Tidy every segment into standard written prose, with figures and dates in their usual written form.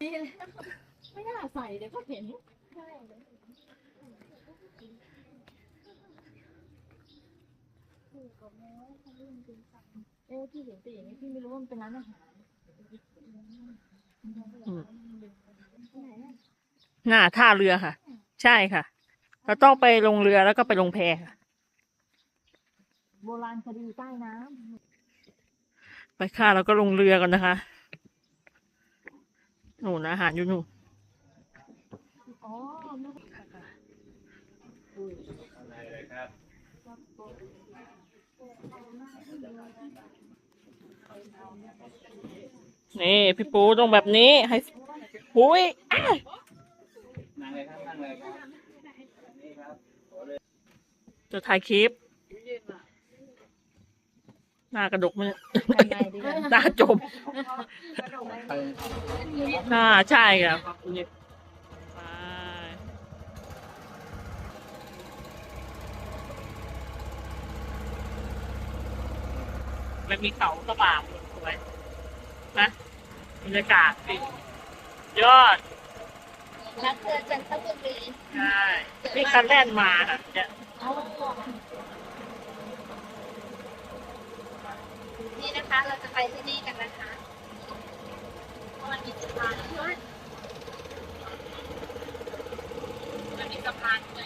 ไม่น่าใส่เลยก็เห็นพี่เห็นแต่อย่างนี้พี่ไม่รู้ว่ามันเป็นร้านอาหารหน้าท่าเรือค่ะ ใช่ค่ะ เราต้องไปลงเรือแล้วก็ไปลงแพค่ะโบราณคดีใต้น้ไปค่ะเราก็ลงเรือกันนะคะหนูอาหารอยู่หนูำอ๋อนี่พี่ปูต้องแบบนี้ให้หุยนั่งเลยครับนั่งเลยครับนี่ครับจะถ่ายคลิปหน้ากระดกมันหน้าจมใช่ครับมันมีเขากระบาดสวยนะบรรยากาศสิยอดรักเธอจันทบุรีใช่นี่คันแล่นมาค่ะเนี่ยนี่นะคะเราจะไปที่นี่กันนะคะมันมีสะพานด้วยมันมีสะพานด้วย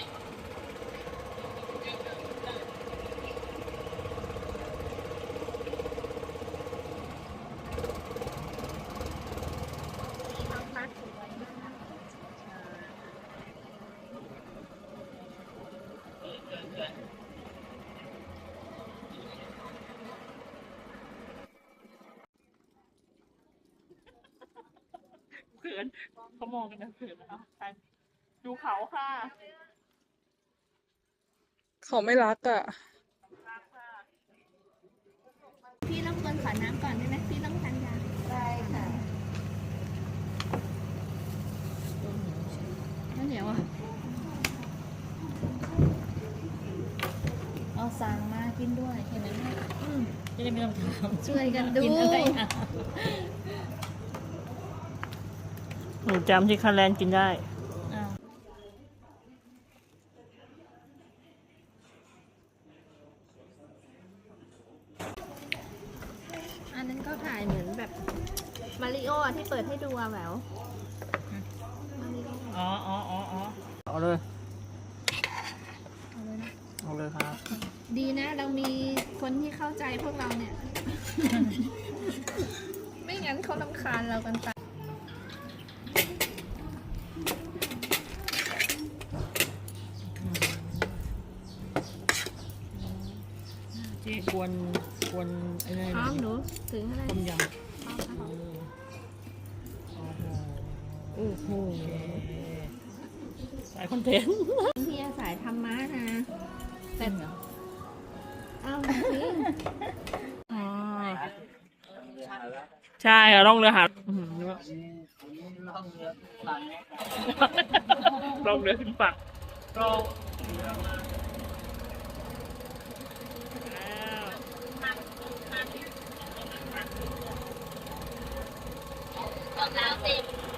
เขินเขามองกันนะเขินนะคะดูเขาค่ะเขาไม่รักอ่ะพี่รบกวนขอน้ำก่อนได้ไหมพี่ต้องทานยาได้ค่ะน้ำเหนียวอ่ะเอาสั่งมากินด้วยเห็นไหมจะได้ไม่ต้องถามช่วยกันดูกินอะไรอ่ะหนูจำที่คันแลนกินได้อันนั้นก็ถ่ายเหมือนแบบมาริโอที่เปิดให้ดูอะแหววมาริโออ๋อเอาเลยเอาเลยนะเอาเลยครับดีนะเรามีคนที่เข้าใจพวกเราเนี่ย ไม่งั้นเขารำคาญเรากันไปเจ๊กวนอะไรพร้อมหนูถึงอะไรต้มยำพร้อมค่ะโอ้โหสายคอนเทนต์พี่อาศัยธรรมะนะแต่เหรออ้าวจริงใช่ค่ะล่องเรือหาดล่องเรือขึ้นฝั่งก็แล้วสิ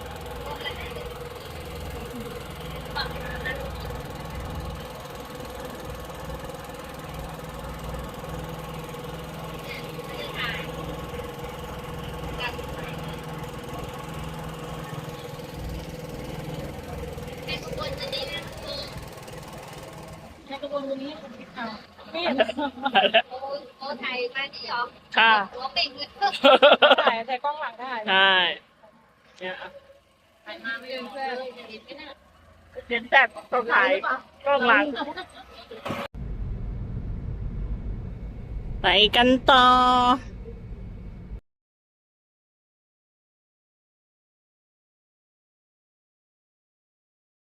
ในขบวนจะดีนะในขบวนนี้โอ้ไทยมาที่หรอค่ะหัวเป่งเลยถ่ายแต่กล้องหลังได้ใช่เนี่ยถ่ายมาไม่เป็นเพื่อนเลยจะเห็นไหมน่ะเห็นแต่ต้องถ่ายกล้องหลังไปกันต่อ